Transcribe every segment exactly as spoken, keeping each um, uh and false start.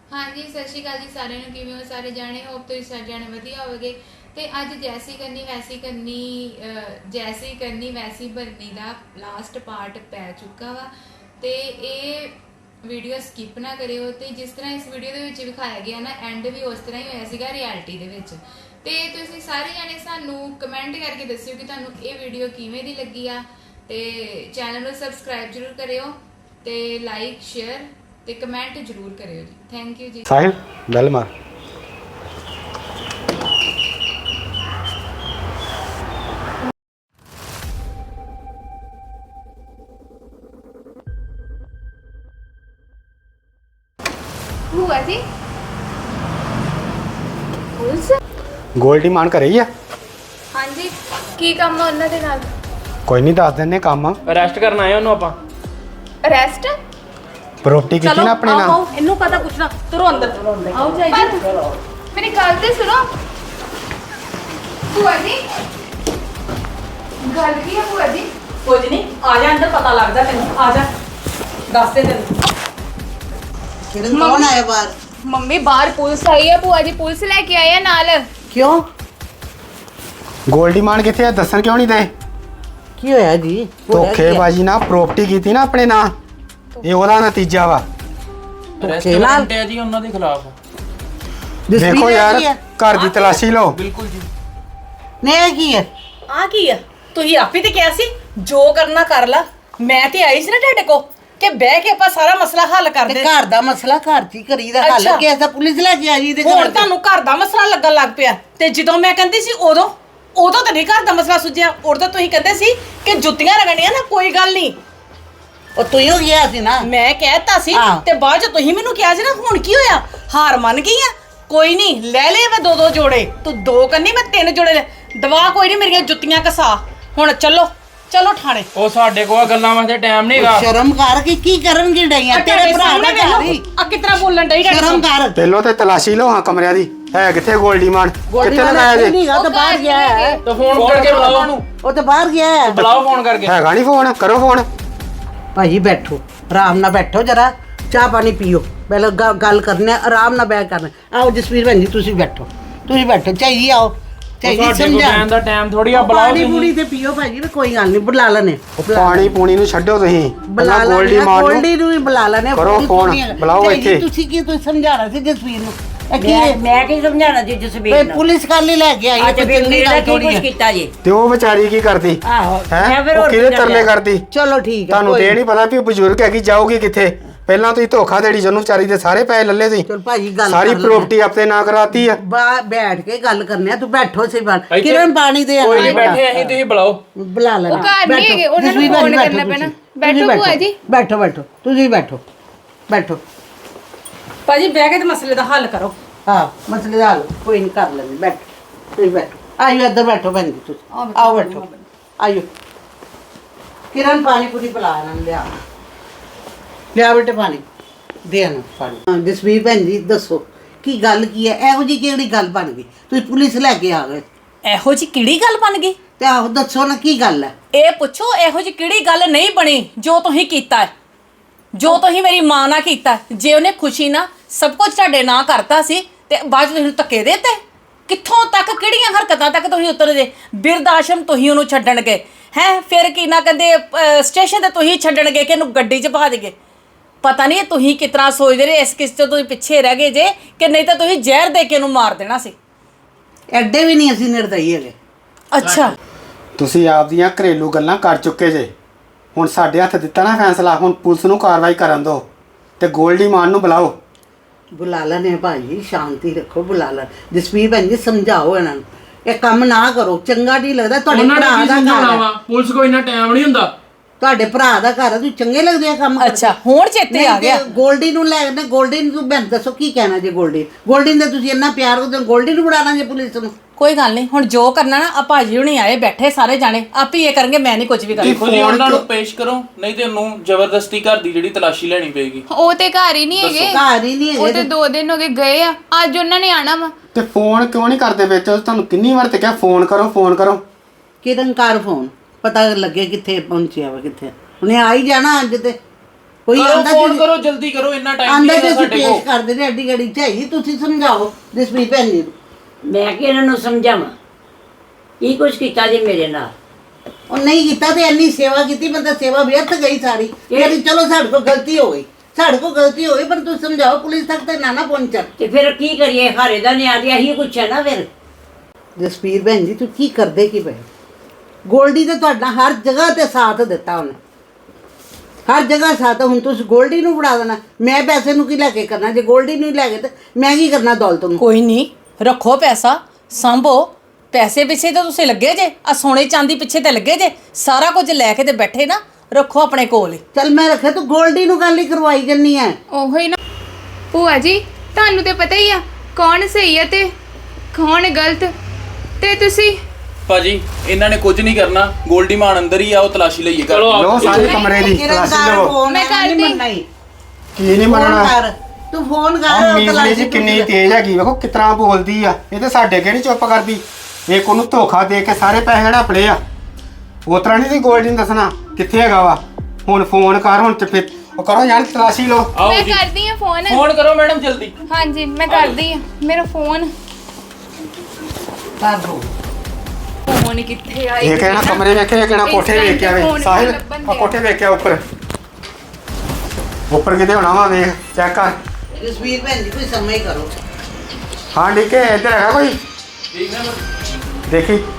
हाँ जी सत श्री अकाल जी सारे ਨੂੰ ਕਿਵੇਂ ਹੋ ਸਾਰੇ ਜਾਣੇ ਹੋਪ ਤੁਸੀਂ ਸਾਰੇ ਜਾਣੇ ਵਧੀਆ ਹੋਵੋਗੇ ਤੇ ਅੱਜ ਜੈਸੀ ਕਰਨੀ ਵੈਸੀ ਕਰਨੀ ਜੈਸੀ ਕਰਨੀ ਵੈਸੀ ਭਰਨੀ ਦਾ ਲਾਸਟ ਪਾਰਟ ਪੈ ਚੁੱਕਾ ਵਾ ਤੇ ਇਹ ਵੀਡੀਓ ਸਕਿਪ ਨਾ ਕਰਿਓ ਤੇ ਜਿਸ ਤਰ੍ਹਾਂ ਇਸ ਵੀਡੀਓ ਦੇ ਵਿੱਚ ਵਿਖਾਇਆ ਗਿਆ ਨਾ ਐਂਡ ਵੀ ਉਸ ਤਰ੍ਹਾਂ ਹੀ ਹੋਇਆ ਸੀਗਾ ਰਿਐਲਿਟੀ ਦੇ ਵਿੱਚ ਤੇ ਤੁਸੀਂ ਸਾਰੇ ਜਾਣੇ ਸਾਨੂੰ ਕਮੈਂਟ ਕਰਕੇ ਦੱਸਿਓ ਕਿ ਤੁਹਾਨੂੰ ਇਹ ਵੀਡੀਓ ਕਿਵੇਂ ਦੀ ਲੱਗੀ ਆ ਤੇ ਚੈਨਲ ਨੂੰ ਸਬਸਕ੍ਰਾਈਬ ਜ਼ਰੂਰ ਕਰਿਓ ਤੇ ਲਾਈਕ ਸ਼ੇਅਰ ਤੇ ਕਮੈਂਟ ਜ਼ਰੂਰ ਕਰਿਓ ਜੀ ਥੈਂਕ ਯੂ ਜੀ ਸਾਹਿਲ ਬੈਲ ਮਾਰ ਭੂਆ ਜੀ ਪੁਲਿਸ ਗੋਲਡੀ ਮਾਨ ਘਰੇ ਹੀ ਆ ਹਾਂਜੀ ਕੀ ਕੰਮ ਆ ਉਹਨਾਂ ਦੇ ਨਾਲ ਕੋਈ ਨਹੀਂ ਦੱਸ ਦਿੰਨੇ ਕੰਮ ਅਰੈਸਟ ਕਰਨ ਆਏ ਉਹਨੂੰ ਆਪਾਂ ਅਰੈਸਟ ਪ੍ਰੋਪਰਟੀ ਕੀਤੀ ਨਾ ਆਪਣੇ ਨਾਲ ਇਹਨੂੰ ਪਤਾ ਪੁੱਛਣਾ ਤੁਰੋ ਅੰਦਰ ਆਓ ਜਾਈ ਮੇਰੀ ਗੱਲ ਤੇ ਸੁਣੋ ਭੂਆ ਜੀ ਗੱਲ ਕੀ ਹੈ ਭੂਆ ਜੀ ਕੁਝ ਨਹੀਂ ਆ ਜਾ ਅੰਦਰ ਪਤਾ ਲੱਗਦਾ ਤੈਨੂੰ ਆ ਜਾ ਦੱਸ ਦੇ ਤੈਨੂੰ ਕਿਰਨ ਕੌਣ ਆਇਆ ਬਾਹਰ ਮੰਮੀ ਬਾਹਰ ਪੁਲਿਸ ਆਈ ਹੈ ਭੂਆ ਜੀ ਪੁਲਿਸ ਲੈ ਕੇ ਆਏ ਆ ਨਾਲ ਕਿਉਂ ਗੋਲਡੀ ਮਾਨ ਕਿੱਥੇ ਆ ਦੱਸਣ ਕਿਉਂ ਨਹੀਂ ਦੇ ਕੀ ਹੋਇਆ ਜੀ ਧੋਖੇਬਾਜ਼ੀ ਨਾਲ ਪ੍ਰੋਪਰਟੀ ਕੀਤੀ ਨਾ ਆਪਣੇ ਨਾਲ ਇਹ ਉਹਦਾ ਨਤੀਜਾ ਵਾ ਅਰੈਸਟ ਨਾਲ? ਵਾਰੰਟ ਹੈ ਜੀ ਉਹਨਾਂ ਦੇ ਖਿਲਾਫ ਦੇਖੋ ਯਾਰ ਘਰ ਦੀ ਤਲਾਸ਼ੀ ਲਓ ਬਿਲਕੁਲ ਜੀ ਨੇ ਕੀ ਹੈ ਆ ਕੀ ਆ ਤੁਸੀਂ ਆਪੇ ਤੇ ਕਿਹਾ ਸੀ ਜੋ ਕਰਨਾ ਕਰ ਲਾ ਮੈਂ ਤੇ ਆਈ ਸੀ ਨਾ ਤੁਹਾਡੇ ਕੋ ਕਿ ਬਹਿ ਕੇ ਆਪਾਂ ਸਾਰਾ ਮਸਲਾ ਹੱਲ ਤੇ ਕਰਦੇ ਘਰ ਦਾ ਮਸਲਾ ਘਰ ਚ ਹੀ ਕਰੀਦਾ ਹੱਲ ਅੱਛਾ। ਕਿ ਐਸਾ ਪੁਲਿਸ ਲੈ ਕੇ ਆਈ ਦੇ ਹੁਣ ਤੁਹਾਨੂੰ ਘਰ ਦਾ ਮਸਲਾ ਲੱਗਣ ਲੱਗ ਪਿਆ ਤੇ ਜਦੋਂ ਮੈਂ ਕਹਿੰਦੀ ਸੀ ਉਦੋਂ ਉਦੋਂ ਤਾਂ ਨਹੀਂ ਘਰ ਦਾ ਮਸਲਾ ਸੁਝਿਆ ਉਦੋਂ ਤਾਂ ਤੁਸੀਂ ਕਹਿੰਦੇ ਸੀ ਕਿ ਜੁੱਤੀਆਂ ਰਗਣੀਆਂ ਨਾ ਕੋਈ ਗੱਲ ਨਹੀਂ ਉਹ ਤੂੰ ਹੀ ਹੋ ਗਿਆ ਸੀ ਨਾ ਮੈਂ ਕਹਿਤਾ ਸੀ ਹਾਂ। ਤੇ ਬਾਅਦ ਚ ਤੁਸੀਂ ਮੈਨੂੰ ਕਿਹਾ ਸੀ ਨਾ ਹੁਣ ਕੀ ਹੋਇਆ ਹਾਰ ਮੰਨ ਗਈ ਆ ਕੋਈ ਨਹੀਂ ਲੈ ਲੈ ਮੈਂ ਦੋ ਦੋ ਜੋੜੇ ਤੂੰ ਦੋ ਕੰਨੀ ਮੈਂ ਤਿੰਨ ਜੋੜੇ ਲੈ ਦਵਾ ਕੋਈ ਨਹੀਂ ਮੇਰੀਆਂ ਜੁੱਤੀਆਂ ਕਸਾ ਹੁਣ ਚੱਲੋ ਚਲੋ ਠਾਣੇ ਉਹ ਸਾਡੇ ਕੋਲ ਗੱਲਾਂ ਵਾਸਤੇ ਟਾਈਮ ਨਹੀਂਗਾ ਸ਼ਰਮ ਕਰ ਕੇ ਕੀ ਕਰਨਗੇ ਡਈਆਂ ਤੇਰੇ ਭਰਾ ਦਾ ਘਰ ਹੀ ਆ ਕਿਤਨਾ ਬੋਲਣ ਡਈ ਤੁਹਾਡੇ ਸ਼ਰਮ ਸਾਹਮਣੇ? ਕਰ ਪਹਿਲੋਂ ਤੇ ਤਲਾਸ਼ੀ ਲਓ ਹਾਂ ਕਮਰਿਆਂ ਦੀ ਹੈ ਕਿੱਥੇ ਗੋਲਡੀ ਮਾਨ ਕਿੱਥੇ ਲਗਾਇਆ ਜੇ ਨਹੀਂ ਉਹ ਤਾਂ ਬਾਹਰ ਗਿਆ ਹੈ ਤਾਂ ਫੋਨ ਕਰਕੇ ਬੁਲਾਓ ਉਹਨੂੰ ਉਹ ਤਾਂ ਬਾਹਰ ਗਿਆ ਹੈ ਬੁਲਾਓ ਫੋਨ ਕਰਕੇ ਹੈਗਾ ਨਹੀਂ ਫੋਨ ਕਰੋ ਫੋਨ ਭਾਜੀ ਬੈਠੋ ਆਰਾਮ ਨਾਲ ਬੈਠੋ ਜਰਾ ਚਾਹ ਪਾਣੀ ਪੀਓ ਪਹਿਲਾਂ ਗ- ਗੱਲ ਕਰਨੇ ਆ, ਆਰਾਮ ਨਾਲ ਬੈਠ ਕਰਨਾ ਆਓ ਜਸਵੀਰ ਭੈਣ ਜੀ ਤੁਸੀਂ ਬੈਠੋ ਤੁਸੀਂ ਬੈਠੋ ਚਾਹੀਦੀ ਆਓ ਚਾਹੀਦੀ ਸਾਡੇ ਕੋਲ ਸਮਝਾ ਬੈਨ ਦਾ ਟਾਈਮ ਥੋੜੀ ਆ ਬੁਲਾਓ ਪਾਣੀ ਤੁਸੀਂ ਪੂਣੀ ਤੇ ਪੀਓ ਭਾਜੀ ਵੀ ਕੋਈ ਗੱਲ ਨਹੀਂ ਬੁਲਾ ਲੈਣੇ ਪਾਣੀ ਪੂਣੀ ਨੂੰ ਛੱਡੋ ਤੁਸੀਂ ਬੁਲਾ ਪਹਿਲਾਂ ਗੋਲਡੀ ਲੈਣੇ ਮਾਨ ਗੋਲਡੀ ਨੂੰ ਨੂੰ ਵੀ ਬੁਲਾ ਲੈਣੇ ਕਰੋ ਫੋਨ, ਬੁਲਾਓ ਇੱਥੇ। ਤੁਸੀਂ ਕੀ ਤੁਸੀਂ ਸਮਝਾਣਾ ਸੀ ਜਸਵੀਰ ਨੂੰ ਇਹ ਕੀ ਮੈਂ ਹੈ ਮੈਂ ਕੀ ਸਮਝਾਣਾ ਜੀ ਜਸਬੀਰ ਬਈ ਨੂੰ ਪੁਲਿਸ ਕੱਲ ਹੀ ਲੈ ਕੇ ਆਈ ਹੈ ਅੱਜ ਕੋਈ ਫਿਰ ਚੰਗੀ ਮੇਰੇ ਗੱਲ ਨਾਲ ਕੀ ਥੋੜੀ ਕੁਝ ਹੈ ਕੀਤਾ ਜੀ ਤੇ ਉਹ ਵਿਚਾਰੀ ਕੀ ਕਰਦੀ ਆਹੋ ਹੈ ਮੈਂ ਫਿਰ ਉਹ ਹੋਰ ਕਿਹਦੇ ਕੀ ਤਰਲੇ ਕਰਨਾ? ਕਰਦੀ ਚਲੋ ਠੀਕ ਹੈ ਤੁਹਾਨੂੰ ਕੋਈ ਤੇ ਇਹ ਨਹੀਂ ਪਤਾ ਵੀ ਉਹ ਬਜ਼ੁਰਗ ਹੈਗੀ ਜਾਊਗੀ ਕਿੱਥੇ ਪਹਿਲਾਂ ਤੁਸੀਂ ਧੋਖਾ ਦੇੜੀ ਜਨੂੰ ਵਿਚਾਰੀ ਦੇ ਸਾਰੇ ਪੈਸੇ ਲੱਲੇ ਸੀ ਚਲ ਭਾਜੀ ਗੱਲ ਸਾਰੀ ਕਰ ਲੈਂਦੇ ਪ੍ਰਾਪਰਟੀ ਆਪੇ ਨਾ ਕਰਾਤੀ ਆ ਬਾ ਬੈਠ ਕੇ ਗੱਲ ਕਰਨੇ ਆ ਤੂੰ ਬੈਠੋ ਸੇ ਬਾਤ ਇੱਥੇ ਕਿਰਨ ਪਾਣੀ ਦੇ ਕੋਈ ਨਹੀਂ ਬੈਠੇ ਅਸੀਂ ਤੁਸੀਂ ਬੁਲਾਓ ਬੁਲਾ ਲੈਣਾ ਉਹ ਘਰ ਨਹੀਂ ਹੈਗੇ, ਉਹਨਾਂ ਨੂੰ phone ਕਰਨਾ ਪੈਣਾ। ਬੈਠੋ ਭੂਆ ਜੀ। ਬੈਠੋ ਬੈਠੋ ਤੁਸੀਂ ਬੈਠੋ ਬੈਠੋ ਭਾਜੀ ਬਹਿ ਕੇ ਤੇ ਮਸਲੇ ਦਾ ਹੱਲ ਕਰੋ ਹਾਂ ਮਸਲੇ ਦਾ ਹੱਲ ਕੋਈ ਨਹੀਂ ਕਰ ਲੈਂਦੇ ਬੈਠੋ ਤੁਸੀਂ ਬੈਠੋ ਆਇਓ ਇੱਧਰ ਬੈਠੋ ਭੈਣ ਜੀ ਤੁਸੀਂ ਆਓ ਬੈਠੋ ਆਇਓ ਕਿਰਨ ਪਾਣੀ ਪੂਰੀ ਪਿਲਾ ਇਹਨਾਂ ਨੂੰ ਲਿਆ ਲਿਆ ਬੇਟੇ ਪਾਣੀ ਦੇ ਇਹਨਾਂ ਪਾਣੀ ਹਾਂ ਜਸਵੀਰ ਭੈਣ ਜੀ ਦੱਸੋ ਕੀ ਗੱਲ ਕੀ ਹੈ ਇਹੋ ਜੀ ਕਿਹੜੀ ਗੱਲ ਬਣ ਗਈ ਤੁਸੀਂ ਪੁਲਿਸ ਲੈ ਕੇ ਆ ਗਏ ਇਹੋ ਜੀ ਕਿਹੜੀ ਗੱਲ ਬਣ ਗਈ ਤੇ ਆਹੋ ਦੱਸੋ ਨਾ ਕੀ ਗੱਲ ਹੈ ਇਹ ਪੁੱਛੋ ਇਹੋ ਜੀ ਕਿਹੜੀ ਗੱਲ ਨਹੀਂ ਬਣੀ ਜੋ ਤੁਸੀਂ ਕੀਤਾ ਹੈ ਜੋ ਤੁਸੀਂ ਮੇਰੀ ਮਾਂ ਨਾਲ ਕੀਤਾ ਹੈ। ਜੇ ਉਹਨੇ ਖੁਸ਼ੀ ਨਾਲ ਸਭ ਕੁਝ ਤੁਹਾਡੇ ਨਾਂ ਕਰਤਾ ਸੀ ਤੇ ਬਾਅਦ 'ਚ ਤੁਸੀਂ ਧੱਕੇ ਦੇਤੇ ਕਿੱਥੋਂ ਤੱਕ ਕਿਹੜੀਆਂ ਹਰਕਤਾਂ ਤੱਕ ਤੁਸੀਂ ਉਤਰ ਜੇ ਬਿਰਧ ਆਸ਼ਰਮ ਤੁਸੀਂ ਉਹਨੂੰ ਛੱਡਣ ਗਏ ਹੈ ਫਿਰ ਕੀ ਨਾ ਕਹਿੰਦੇ ਅਹ, ਸਟੇਸ਼ਨ ਤੇ ਤੁਸੀਂ ਛੱਡਣ ਗਏ ਕਿ ਇਹਨੂੰ ਗੱਡੀ 'ਚ ਪਾ ਦੇਗੇ ਪਤਾ ਨਹੀਂ ਤੁਸੀਂ ਕਿਸ ਤਰ੍ਹਾਂ ਸੋਚਦੇ ਰਹੇ ਇਸ ਕਿਸ ਤੋਂ ਤੁਸੀਂ ਪਿੱਛੇ ਰਹਿ ਗਏ ਜੇ ਕਿ ਨਹੀਂ ਤਾਂ ਤੁਸੀਂ ਜ਼ਹਿਰ ਦੇ ਕੇ ਉਹਨੂੰ ਮਾਰ ਦੇਣਾ ਸੀ ਐਡੇ ਵੀ ਨਹੀਂ ਅਸੀਂ ਨਿਰਦਈ ਹੈਗੇ ਅੱਛਾ ਤੁਸੀਂ ਆਪਦੀਆਂ ਘਰੇਲੂ ਗੱਲਾਂ ਕਰ ਚੁੱਕੇ ਜੇ ਹੁਣ ਸਾਡੇ ਹੱਥ ਦਿੱਤਾ ਨਾ ਫੈਸਲਾ ਹੁਣ ਪੁਲਿਸ ਨੂੰ ਕਾਰਵਾਈ ਕਰਨ ਦਿਓ ਤੇ ਗੋਲਡੀ ਮਾਨ ਨੂੰ ਬੁਲਾਓ ਬੁਲਾ ਲੈਣੇ ਭਾਈ ਸ਼ਾਂਤੀ ਰੱਖੋ ਬੁਲਾ ਲੈ ਜਸਵੀਰ ਭੈਣ ਜੀ ਸਮਝਾਓ ਇਹਨਾਂ ਨੂੰ ਇਹ ਕੰਮ ਨਾ ਕਰੋ ਚੰਗਾ ਨਹੀਂ ਲੱਗਦਾ ਤੁਹਾਡੇ ਭਰਾ ਦਾ ਘਰ ਹੈ ਪੁਲਿਸ ਕੋਈ ਇੰਨਾ ਟਾਈਮ ਨਹੀਂ ਹੁੰਦਾ ਤੁਹਾਡੇ ਭਰਾ ਦਾ ਘਰ ਹੈ ਤੁਸੀਂ ਚੰਗੇ ਲੱਗਦੇ ਆ ਕੰਮ ਅੱਛਾ ਹੁਣ ਚੇਤੇ ਆ ਗਿਆ ਗੋਲਡੀ ਨੂੰ ਲੈ ਨਾ ਗੋਲਡੀ ਨੂੰ ਤੂੰ ਮੈਨੂੰ ਦੱਸੋ ਕੀ ਕਹਿਣਾ ਜੇ ਗੋਲਡੀ ਗੋਲਡੀ ਨੂੰ ਤੁਸੀਂ ਇੰਨਾ ਪਿਆਰ ਕਰਦੇ ਹੋ ਗੋਲਡੀ ਨੂੰ ਬੁਲਾਣਾ ਜੇ ਪੁਲਿਸ ਨੂੰ ਕੋਈ ਗੱਲ ਨਹੀਂ ਹੁਣ ਜੋ ਕਰਨਾ ਨਾ ਆ ਭਾਜੀ ਹੁਣੀ ਆਏ ਬੈਠੇ ਸਾਰੇ ਜਾਣੇ ਆਪ ਹੀ ਇਹ ਕਰਨਗੇ ਮੈਂ ਨਹੀਂ ਕੁਝ ਵੀ ਕਰਨਾ ਦੇਖੋ ਜੀ ਉਹਨਾਂ ਨੂੰ ਪੇਸ਼ ਕਰੋ ਨਹੀਂ ਤੇ ਉਹਨੂੰ ਜ਼ਬਰਦਸਤੀ ਘਰ ਦੀ ਜਿਹੜੀ ਤਲਾਸ਼ੀ ਲੈਣੀ ਪਏਗੀ ਉਹ ਤੇ ਘਰ ਹੀ ਨਹੀਂ ਹੈਗੇ ਘਰ ਹੀ ਨਹੀਂ ਉਹ ਹੈਗੇ ਤੇ ਦੋ ਦਿਨ ਹੋ ਗਏ ਗਏ ਆ ਅੱਜ ਉਹਨਾਂ ਨੇ ਆਣਾ ਵਾ ਤੇ ਫੋਨ ਕਿਉਂ ਨਹੀਂ ਕਰਦੇ ਵਿੱਚ ਤੁਹਾਨੂੰ ਕਿੰਨੀ ਵਾਰ ਤੇ ਕਿਹਾ ਫੋਨ ਕਰੋ ਫੋਨ ਕਰੋ ਕਿਰਨ ਕਰ ਫੋਨ ਪਤਾ ਲੱਗੇ ਕਿੱਥੇ ਪਹੁੰਚਿਆ ਵਾ ਕਿੱਥੇ ਉਹਨੇ ਆ ਹੀ ਜਾਣਾ ਅੱਜ ਤੇ ਕੋਈ ਕਰੋ ਆਂਦਾ ਫੋਨ ਜੀ ਕਰੋ ਜਲਦੀ ਕਰੋ, ਇੰਨਾ ਟਾਈਮ ਆਂਦਾ ਨਹੀਂ ਜੀ ਹੈ ਅਸੀਂ ਸਾਡੇ ਪੇਸ਼ ਕੋਲ। ਕਰਦੇ ਨੇ ਐਡੀ ਗੜੀ ਚਾਹੀਦੀ, ਤੁਸੀਂ ਸਮਝਾਓ ਜਸਵੀਰ ਭੈਣ ਜੀ ਨੂੰ। ਮੈਂ ਕਿ ਇਹਨਾਂ ਨੂੰ ਸਮਝਾਵਾਂ ਕੀ ਕੁਛ ਕੀਤਾ ਜੀ ਮੇਰੇ ਨਾਲ। ਉਹ ਨਹੀਂ ਕੀਤਾ ਤੇ ਇੰਨੀ ਸੇਵਾ ਕੀਤੀ, ਬੰਦਾ ਸੇਵਾ ਵਿਅਰਥ ਗਈ ਸਾਰੀ। ਯਾਨੀ ਚਲੋ ਸਾਡੇ ਕੋਲ ਗਲਤੀ ਹੋ ਗਈ, ਸਾਡੇ ਕੋਲ ਗਲਤੀ ਹੋ ਗਈ, ਪਰ ਤੁਸੀਂ ਸਮਝਾਓ ਪੁਲਿਸ ਤੱਕ ਤੇ ਨਾ ਨਾ ਪਹੁੰਚਣ। ਤੇ ਫਿਰ ਕੀ ਕਰੀਏ, ਹਾਰੇ ਦਾ ਨਿਆਂ ਤੇ ਇਹੀ ਕੁਛ ਹੈ ਨਾ ਫਿਰ। ਜਸਵੀਰ ਭੈਣ ਜੀ ਤੂੰ ਕੀ ਕਰਦੇ ਕੀ ਪਏ? ਗੋਲਡੀ ਤੇ ਤੁਹਾਡਾ ਹਰ ਜਗ੍ਹਾ ਤੇ ਸਾਥ ਦਿੱਤਾ ਉਹਨੇ, ਹਰ ਜਗ੍ਹਾ ਸਾਥ। ਹੁਣ ਤੁਸੀਂ ਗੋਲਡੀ ਨੂੰ ਫੜਾ ਦੇਣਾ, ਮੈਂ ਪੈਸੇ ਨੂੰ ਕੀ ਲੈ ਕੇ ਕਰਨਾ? ਜੇ ਗੋਲਡੀ ਨੂੰ ਹੀ ਲੈ ਕੇ ਤੇ ਮੈਂ ਕੀ ਕਰਨਾ ਦੌਲਤ ਨੂੰ? ਕੋਈ ਨਹੀਂ, ਰੱਖੋ ਪੈਸਾ, ਸੰਭੋ। ਪੈਸੇ ਪਿੱਛੇ ਤਾਂ ਤੁਸੀਂ ਲੱਗੇ ਜੇ, ਆ ਸੋਨੇ ਚਾਂਦੀ ਪਿੱਛੇ ਤੇ ਲੱਗੇ ਜੇ। ਸਾਰਾ ਕੁਝ ਲੈ ਕੇ ਤੇ ਬੈਠੇ ਨਾ, ਰੱਖੋ ਆਪਣੇ ਕੋਲ ਹੀ। ਚੱਲ ਮੈਂ ਰੱਖਿਆ, ਤੂੰ ਗੋਲਡੀ ਨੂੰ ਗੱਲ ਹੀ ਕਰਵਾਈ ਜੰਨੀ ਹੈ। ਉਹੋ ਹੀ ਨਾ ਭੂਆ ਜੀ, ਤੁਹਾਨੂੰ ਤੇ ਪਤਾ ਹੀ ਆ ਕੌਣ ਸਹੀ ਹੈ ਤੇ ਕੌਣ ਗਲਤ। ਤੇ ਤੁਸੀਂ ਭਾਜੀ ਇਹਨਾਂ ਨੇ ਕੁਝ ਨਹੀਂ ਕਰਨਾ, ਗੋਲਡੀ ਮਾਨ ਅੰਦਰ ਹੀ ਆ, ਉਹ ਤਲਾਸ਼ੀ ਲਈਏ ਕਰ। ਲੋ ਸਾਰੇ ਕਮਰੇ ਦੀ ਤਲਾਸ਼ੀ ਕਿਰਨਦਾਰ ਲਓ। ਫੋਨ ਮੈਂ ਹੈ, ਨਹੀਂ ਕਰਦੀ। ਮੰਨਣਾ ਹੀ। ਕੀ ਨਹੀਂ ਫੋਨ ਮੰਨਣਾ? ਕਰ, ਤੂੰ ਫੋਨ ਕਰ। ਆ ਉਹ ਮੀਜ਼ਲੀ ਤਲਾਸ਼ੀ ਜੀ ਕਿੰਨੀ ਪੁੱਛ ਲੈ। ਤੇਜ਼ ਹੈਗੀ, ਵੇਖੋ ਕਿਤਨਾ ਬੋਲਦੀ ਆ। ਇਹ ਤੇ ਸਾਡੇ ਅੱਗੇ ਨਹੀਂ ਚੁੱਪ ਕਰਦੀ। ਇੱਕ ਉਹਨੂੰ ਧੋਖਾ ਦੇ ਕੇ ਸਾਰੇ ਪੈਸੇ ਹੜਪ ਲਏ ਆ। ਉਸ ਤਰ੍ਹਾਂ ਨਹੀਂ ਸੀ ਗੋਲਡੀ ਨੂੰ ਦੱਸਣਾ ਕਿੱਥੇ ਹੈਗਾ ਵਾ। ਹੁਣ ਫੋਨ ਕਰ, ਹੁਣ ਤੇ ਫਿਰ ਉਹ ਕਰੋ ਯਾਰ ਤਲਾਸ਼ੀ ਲਓ। ਆਓ ਮੈਂ ਜੀ ਕਰਦੀ ਆ ਫੋਨ। ਫੋਨ ਕਰੋ ਮੈਡਮ ਜਲਦੀ। ਹਾਂਜੀ ਮੈਂ ਕਰਦੀ ਆ, ਮੇਰਾ ਫੋਨ ਕਰ ਦੋ। ਫੋਨ ਕਿੱਥੇ ਆ? ਇਹ ਕਹਿਣਾ ਕਮਰੇ ਵੇਖੇ, ਇਹ ਕਹਿਣਾ ਕੋਠੇ ਵੇਖ ਕੇ ਆਵੇ। ਸਾਹਿਲ ਆ ਕੋਠੇ ਵੇਖ ਕੇ ਆ ਉੱਪਰ, ਉੱਪਰ ਕਿਤੇ ਹੋਣਾ ਵਾ, ਵੇਖ ਚੈੱਕ ਕਰ। ਜਸਵੀਰ ਭੈਣ ਜੀ ਕੋਈ ਸਮਝ ਹੀ ਕਰੋ। ਹਾਂ ਠੀਕ ਹੈ, ਇੱਧਰ ਹੈਗਾ ਕੋਈ? ਦੇਖੀ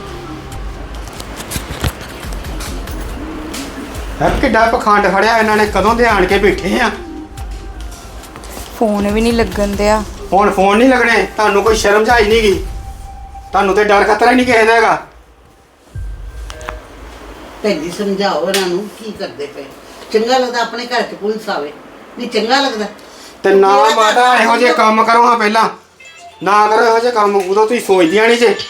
ਹੈ ਕਿੱਡਾ ਪਖੰਡ ਫੜਿਆ ਇਹਨਾਂ ਨੇ, ਕਦੋਂ ਦੇ ਆਣ ਕੇ ਬੈਠੇ ਆ। ਫੋਨ ਵੀ ਨਹੀਂ ਲੱਗਣ ਦਿਆ। ਹੁਣ ਫੋਨ ਨਹੀਂ ਲੱਗਣੇ, ਤੁਹਾਨੂੰ ਕੋਈ ਸ਼ਰਮ ਜਾਈ ਨਹੀਂ ਗਈ, ਤੁਹਾਨੂੰ ਤੇ ਡਰ ਖਤਰਾ ਹੀ ਨਹੀਂ ਕਿਸੇ ਦਾ ਹੈਗਾ। ਭੈਣ ਜੀ ਸਮਝਾਓ ਇਹਨਾਂ ਨੂੰ, ਕੀ ਕਰਦੇ ਪਏ? ਚੰਗਾ ਲੱਗਦਾ ਆਪਣੇ ਘਰ 'ਚ ਪੁਲਿਸ ਆਵੇ? ਨਹੀਂ ਚੰਗਾ ਲੱਗਦਾ। ਤੇ ਨਾ ਮਾਤਾ ਇਹੋ ਜਿਹੇ ਕੰਮ ਕਰੋ ਹਾਂ, ਪਹਿਲਾਂ ਨਾ ਕਰੋ ਇਹੋ ਜਿਹੇ ਕੰਮ, ਉਦੋਂ ਤੁਸੀਂ ਸੋਚਦੀਆਂ ਨਹੀਂ ਜੇ।